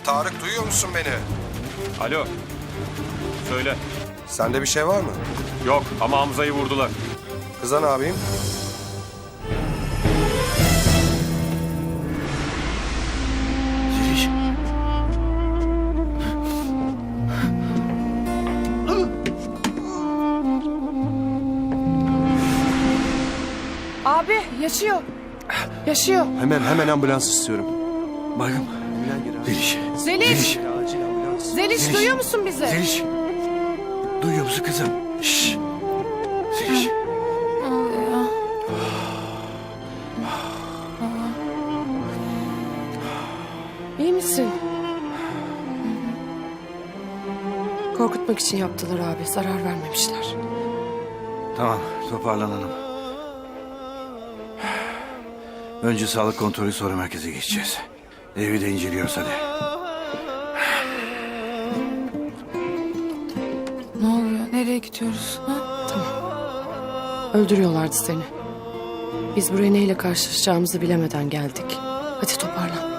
Tarık, duyuyor musun beni? Alo. Söyle. Sende bir şey var mı? Yok ama Hamza'yı vurdular. Kıza ne yapayım? Zeliş. Abi yaşıyor. Yaşıyor. Hemen ambulans istiyorum. Baygın. Zeliş. Zeliş. Acil ambulans. Zeliş Zeliş. duyuyor musun bizi? Zeliş. Duyuyor musun kızım? Şşş. Zeliş. İyi misin? Korkutmak için yaptılar abi. Zarar vermemişler. Tamam, toparlanalım. Önce sağlık kontrolü, sonra merkeze geçeceğiz. Evi de inceliyoruz hadi. Ne oluyor? Nereye gidiyoruz? Ha? Tamam. Öldürüyorlardı seni. Biz buraya neyle karşılaşacağımızı bilemeden geldik. Hadi toparlan.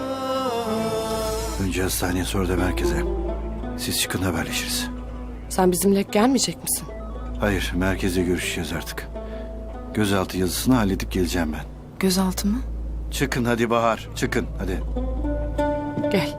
Önce hastaneye, sonra da merkeze. Siz çıkın, haberleşiriz. Sen bizimle gelmeyecek misin? Hayır, merkeze görüşeceğiz artık. Gözaltı yazısını halledip geleceğim ben. Gözaltı mı? Çıkın hadi Bahar, çıkın hadi. Gel.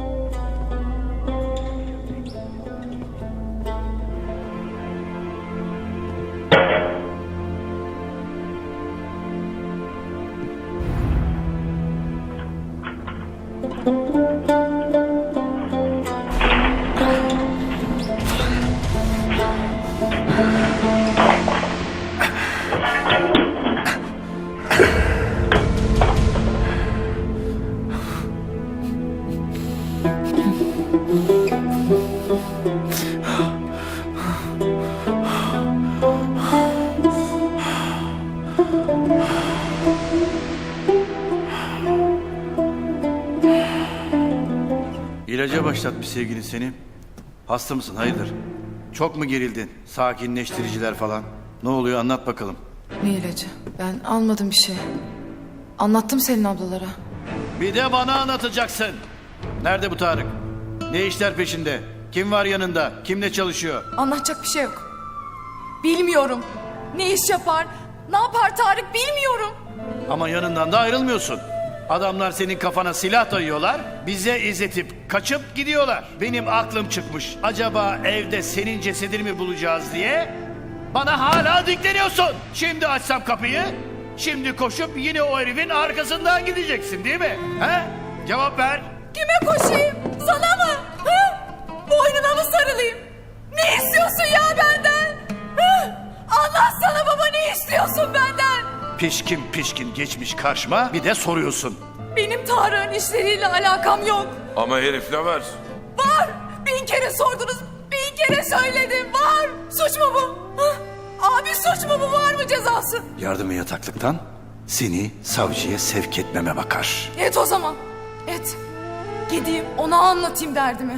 İlaca başlatmış sevgilin seni. Hasta mısın, hayırdır? Çok mu gerildin? Sakinleştiriciler falan. Ne oluyor, anlat bakalım. Ne ilacı? Ben almadım bir şey. Anlattım Selin ablalara. Bir de bana anlatacaksın. Nerede bu Tarık? Ne işler peşinde? Kim var yanında? Kimle çalışıyor? Anlatacak bir şey yok. Bilmiyorum. Ne iş yapar? Ne yapar Tarık bilmiyorum. Ama yanından da ayrılmıyorsun. Adamlar senin kafana silah dayıyorlar. Bize izletip kaçıp gidiyorlar. Benim aklım çıkmış. Acaba evde senin cesedini mi bulacağız diye bana hala dikleniyorsun. Şimdi açsam kapıyı, şimdi koşup yine o herifin arkasından gideceksin değil mi? He? Cevap ver. Kime koşayım? Sana mı? Hı? Boynuna mı sarılayım? Ne istiyorsun ya benden? Hı? Anlatsana baba, ne istiyorsun benden? Pişkin pişkin geçmiş karşıma, bir de soruyorsun. Benim Tarık'ın işleriyle alakam yok. Ama herif ne var? Var. 1000 kere sordunuz. 1000 kere söyledim. Var. Suç mu bu? Hı? Abi suç mu bu? Var mı cezası? Yardımı yataklıktan seni savcıya sevk etmeme bakar. Et o zaman. Et. Gideyim ona anlatayım derdimi.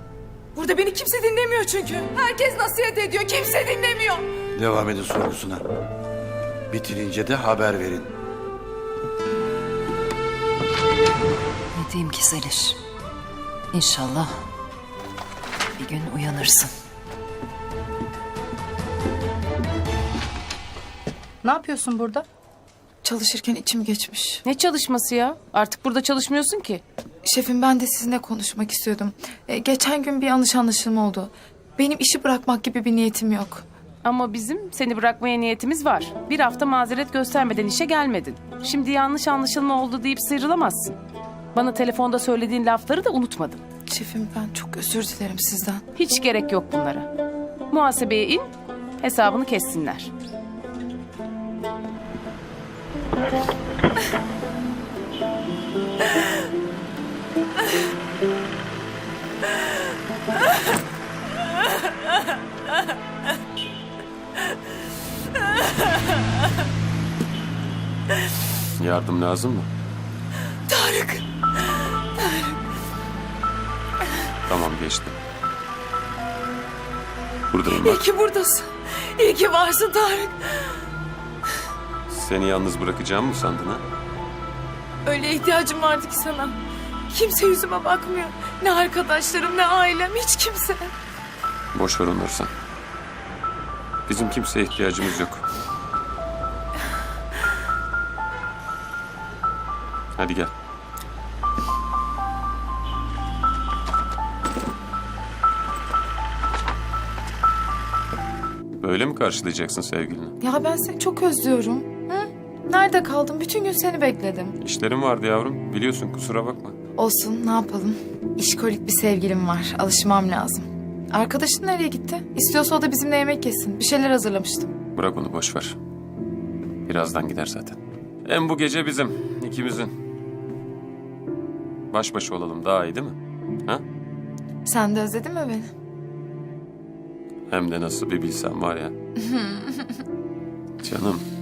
Burada beni kimse dinlemiyor çünkü. Herkes nasihat ediyor. Kimse dinlemiyor. Devam edin sorgusuna. Bitirince de haber verin. Ne diyeyim ki Zeliş? İnşallah bir gün uyanırsın. Ne yapıyorsun burada? Çalışırken içim geçmiş. Ne çalışması ya? Artık burada çalışmıyorsun ki. Şefim, ben de sizinle konuşmak istiyordum. Geçen gün bir yanlış anlaşılma oldu. Benim işi bırakmak gibi bir niyetim yok. Ama bizim seni bırakmaya niyetimiz var. Bir hafta mazeret göstermeden işe gelmedin. Şimdi yanlış anlaşılma oldu deyip sıyrılamazsın. Bana telefonda söylediğin lafları da unutmadım. Şefim, ben çok özür dilerim sizden. Hiç gerek yok bunlara. Muhasebeye in, hesabını kessinler. Yardım lazım mı? Tarık. Tamam, geçti. Buradayım İyi bak. ki buradasın. İyi ki varsın Tarık. Seni yalnız bırakacağım mı sandın ha? Öyle ihtiyacım vardı ki sana. Kimse yüzüme bakmıyor. Ne arkadaşlarım, ne ailem, hiç kimse. Boş ver onları sen. Bizim kimseye ihtiyacımız yok. Hadi gel. Böyle mi karşılayacaksın sevgilini? Ya ben seni çok özlüyorum. Hı? Nerede kaldın? Bütün gün seni bekledim. İşlerim vardı yavrum. Biliyorsun, kusura bakma. Olsun, ne yapalım? İşkolik bir sevgilim var. Alışmam lazım. Arkadaşın nereye gitti? İstiyorsa o da bizimle yemek yesin. Bir şeyler hazırlamıştım. Bırak onu, boş ver. Birazdan gider zaten. Hem bu gece bizim, ikimizin. Baş başa olalım, daha iyi değil mi? Ha? Sen de özledin mi beni? Hem de nasıl bir bilsem var ya. Canım.